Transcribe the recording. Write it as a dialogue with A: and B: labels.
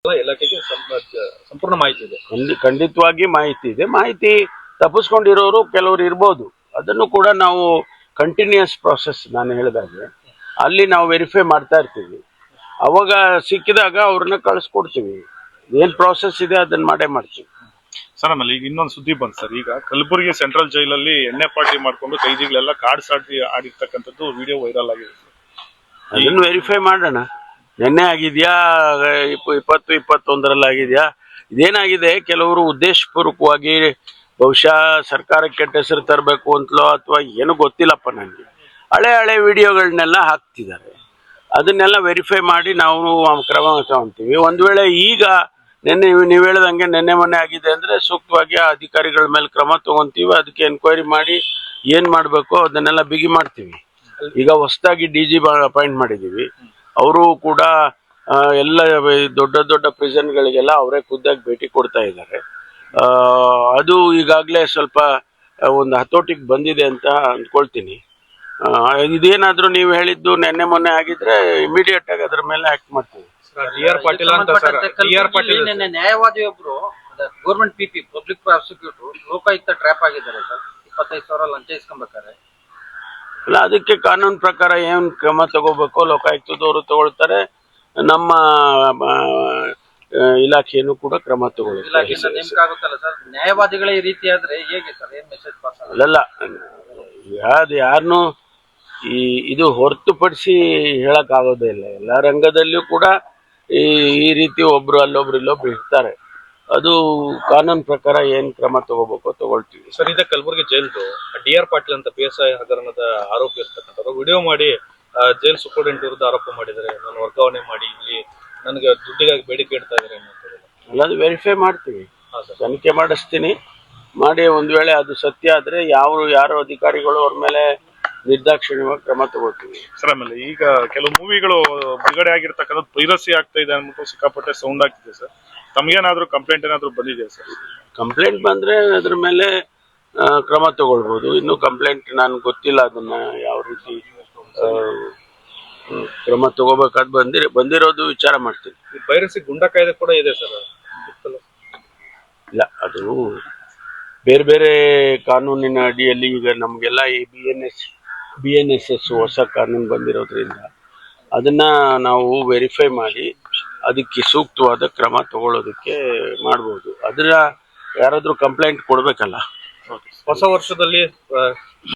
A: ಇಲಾಖೆಗೆ ಸಂಪೂರ್ಣ ಮಾಹಿತಿ ಇದೆ.
B: ಖಂಡಿತವಾಗಿ ಮಾಹಿತಿ ಇದೆ. ಮಾಹಿತಿ ತಪ್ಪಿಸ್ಕೊಂಡಿರೋರು ಕೆಲವರು ಇರ್ಬೋದು. ಅದನ್ನು ಕೂಡ ನಾವು ಕಂಟಿನ್ಯೂಸ್ ಪ್ರಾಸೆಸ್ ನಾನು ಹೇಳಿದಾಗೆ ಅಲ್ಲಿ ನಾವು ವೆರಿಫೈ ಮಾಡ್ತಾ ಇರ್ತೀವಿ. ಅವಾಗ ಸಿಕ್ಕಿದಾಗ ಅವ್ರನ್ನ ಕಳಿಸ್ಕೊಡ್ತೀವಿ. ಏನ್ ಪ್ರಾಸೆಸ್ ಇದೆ ಅದನ್ನ ಮಾಡೇ ಮಾಡ್ತೀವಿ
A: ಸರ್. ಆಮೇಲೆ ಈಗ ಇನ್ನೊಂದು ಸುದ್ದಿ ಬಂತು ಸರ್. ಈಗ ಕಲಬುರಗಿ ಸೆಂಟ್ರಲ್ ಜೈಲಲ್ಲಿ ಎಣ್ಣೆ ಪಾರ್ಟಿ ಮಾಡ್ಕೊಂಡು ಕೈದಿಗಳೆಲ್ಲ ಕಾರ್ಡ್ ಸಾಟಿ ಆಡಿರ್ತಕ್ಕಂಥದ್ದು ವಿಡಿಯೋ ವೈರಲ್ ಆಗಿದೆ.
B: ಅದನ್ನು ವೆರಿಫೈ ಮಾಡೋಣ. ನೆನ್ನೆ ಆಗಿದ್ಯಾ 2021ರಲ್ಲಿ ಆಗಿದ್ಯಾ? ಇದೇನಾಗಿದೆ, ಕೆಲವರು ಉದ್ದೇಶಪೂರ್ವಕವಾಗಿ ಬಹುಶಃ ಸರ್ಕಾರಕ್ಕೆ ಕೆಟ್ಟ ಹೆಸರು ತರಬೇಕು ಅಂತಲೋ ಅಥವಾ ಏನೂ ಗೊತ್ತಿಲ್ಲಪ್ಪ ನನಗೆ, ಹಳೆ ವಿಡಿಯೋಗಳನ್ನೆಲ್ಲ ಹಾಕ್ತಿದ್ದಾರೆ. ಅದನ್ನೆಲ್ಲ ವೆರಿಫೈ ಮಾಡಿ ನಾವು ಕ್ರಮ ತಗೊತೀವಿ. ಒಂದು ವೇಳೆ ಈಗ ನೀವು ಹೇಳ್ದಂಗೆ ನೆನ್ನೆ ಮೊನ್ನೆ ಆಗಿದೆ ಅಂದರೆ ಸೂಕ್ತವಾಗಿ ಆ ಅಧಿಕಾರಿಗಳ ಮೇಲೆ ಕ್ರಮ ತಗೊಂತೀವಿ. ಅದಕ್ಕೆ ಎನ್ಕ್ವೈರಿ ಮಾಡಿ ಏನು ಮಾಡಬೇಕು ಅದನ್ನೆಲ್ಲ ಬಿಗಿ ಮಾಡ್ತೀವಿ. ಈಗ ಹೊಸದಾಗಿ DG ಅಪಾಯಿಂಟ್ ಮಾಡಿದ್ದೀವಿ. ಅವರು ಕೂಡ ಎಲ್ಲ ದೊಡ್ಡ ಪ್ರಿಸನ್ಗಳಿಗೆಲ್ಲ ಅವರೇ ಖುದ್ದಾಗಿ ಭೇಟಿ ಕೊಡ್ತಾ ಇದ್ದಾರೆ. ಅದು ಈಗಾಗಲೇ ಸ್ವಲ್ಪ ಒಂದು ಹತೋಟಿಗೆ ಬಂದಿದೆ ಅಂತ ಅಂದ್ಕೊಳ್ತೀನಿ. ಇದೇನಾದರೂ ನೀವು ಹೇಳಿದ್ದು ನೆನ್ನೆ ಮೊನ್ನೆ ಆಗಿದ್ರೆ ಇಮಿಡಿಯೇಟ್ ಆಗಿ ಅದ್ರ ಮೇಲೆ ಆಕ್ಟ್ ಮಾಡ್ತೀವಿ.
C: ನ್ಯಾಯವಾದಿಯೊಬ್ರು government PP public prosecutor Lokayukta trap ಆಗಿದ್ದಾರೆ ಸರ್. 25,000 ಲಂಚ ಇಸ್ಕೊಂಬೇಕಾರೆ.
B: ಅಲ್ಲ, ಅದಕ್ಕೆ ಕಾನೂನು ಪ್ರಕಾರ ಏನು ಕ್ರಮ ತಗೋಬೇಕು ಲೋಕಾಯುಕ್ತದವರು ತಗೊಳ್ತಾರೆ. ನಮ್ಮ ಇಲಾಖೆಯನ್ನು ಕೂಡ ಕ್ರಮ ತಗೊಳ್ಳುತ್ತೆ.
C: ನ್ಯಾಯವಾದಿಗಳೇ ಈ ರೀತಿ ಆದ್ರೆ ಹೇಗೆ ಸರ್? ಏನ್ ಮೆಸೇಜ್ ಪಾಸ್
B: ಅಲ್ಲ, ಅದು ಯಾರನ್ನು ಇದು ಹೊರತುಪಡಿಸಿ ಹೇಳಕ್ ಆಗೋದೇ ಇಲ್ಲ. ಎಲ್ಲ ರಂಗದಲ್ಲಿಯೂ ಕೂಡ ಈ ರೀತಿ ಒಬ್ರು ಅಲ್ಲೊಬ್ರು ಇಲ್ಲೊಬ್ರು ಇರ್ತಾರೆ. ಅದು ಕಾನೂನು ಪ್ರಕಾರ ಏನ್ ಕ್ರಮ ತಗೋಬೇಕು ತಗೊಳ್ತೀವಿ
A: ಸರ್. ಇದೇ ಕಲಬುರಗಿ ಜೈಲ್ದು DR ಪಾಟೀಲ್ ಅಂತ PSI ಹಗರಣದ ಆರೋಪಿ ಇರ್ತಕ್ಕಂಥವ್ರು ವಿಡಿಯೋ ಮಾಡಿ ಜೈಲ್ ಸೂಪರಿಂಟೆಂಡೆಂಟ್ ವಿರುದ್ಧ ಆರೋಪ ಮಾಡಿದರೆ, ನಾನು ವರ್ಗಾವಣೆ ಮಾಡಿ ಇಲ್ಲಿ ನನಗೆ ದುಡ್ಡಿಗಾಗಿ ಬೇಡಿಕೆ ಇಡ್ತಾ ಇದ್ದಾರೆ
B: ಅಲ್ಲ, ಅದು ವೆರಿಫೈ ಮಾಡ್ತೀವಿ, ತನಿಖೆ ಮಾಡಿಸ್ತೀನಿ. ಮಾಡಿ ಒಂದು ವೇಳೆ ಅದು ಸತ್ಯ ಆದ್ರೆ ಯಾರು ಅಧಿಕಾರಿಗಳು ಅವ್ರ ಮೇಲೆ ನಿರ್ದಾಕ್ಷಿಣ್ಯವಾಗಿ ಕ್ರಮ ತಗೋತೀವಿ
A: ಸರ್. ಆಮೇಲೆ ಈಗ ಕೆಲವು ಮೂವಿಗಳು ಬಿಡುಗಡೆ ಆಗಿರ್ತಕ್ಕಂಥದ್ದು ಪೈರಸಿ ಆಗ್ತಾ ಇದೆ ಅಂದ್ಬಿಟ್ಟು ಸಿಕ್ಕಾಪಟ್ಟೆ ಸೌಂಡ್ ಆಗ್ತಿದೆ ಸರ್. ತಮಗೇನಾದ್ರೂ ಕಂಪ್ಲೇಂಟ್ ಏನಾದ್ರು ಬಂದಿದೆ ಸರ್?
B: ಕಂಪ್ಲೇಂಟ್ ಬಂದ್ರೆ ಅದ್ರ ಮೇಲೆ ಕ್ರಮ ತಗೊಳ್ಬೋದು. ಇನ್ನು ಕಂಪ್ಲೇಂಟ್ ನಾನು ಗೊತ್ತಿಲ್ಲ, ಅದನ್ನ ಯಾವ ರೀತಿ ಕ್ರಮ ತಗೋಬೇಕಾದ್ ಬಂದಿರೋದು ವಿಚಾರ ಮಾಡ್ತೀನಿ.
A: ಪೈರಸಿ ಗುಂಡಾ ಕಾಯ್ದೆ ಕೂಡ ಇದೆ ಸರ್.
B: ಇಲ್ಲ, ಅದು ಬೇರೆ ಕಾನೂನಿನ ಅಡಿಯಲ್ಲಿ ಈಗ ನಮಗೆಲ್ಲ ಈ BNSS ಹೊಸ ಕಾನೂನು ಬಂದಿರೋದ್ರಿಂದ ಅದನ್ನ ನಾವು ವೆರಿಫೈ ಮಾಡಿ ಅದಕ್ಕೆ ಸೂಕ್ತವಾದ ಕ್ರಮ ತಗೊಳ್ಳೋದಕ್ಕೆ ಮಾಡ್ಬೋದು. ಅದನ್ನ ಯಾರಾದ್ರೂ ಕಂಪ್ಲೇಂಟ್ ಕೊಡ್ಬೇಕಲ್ಲ.
A: ಹೊಸ ವರ್ಷದಲ್ಲಿ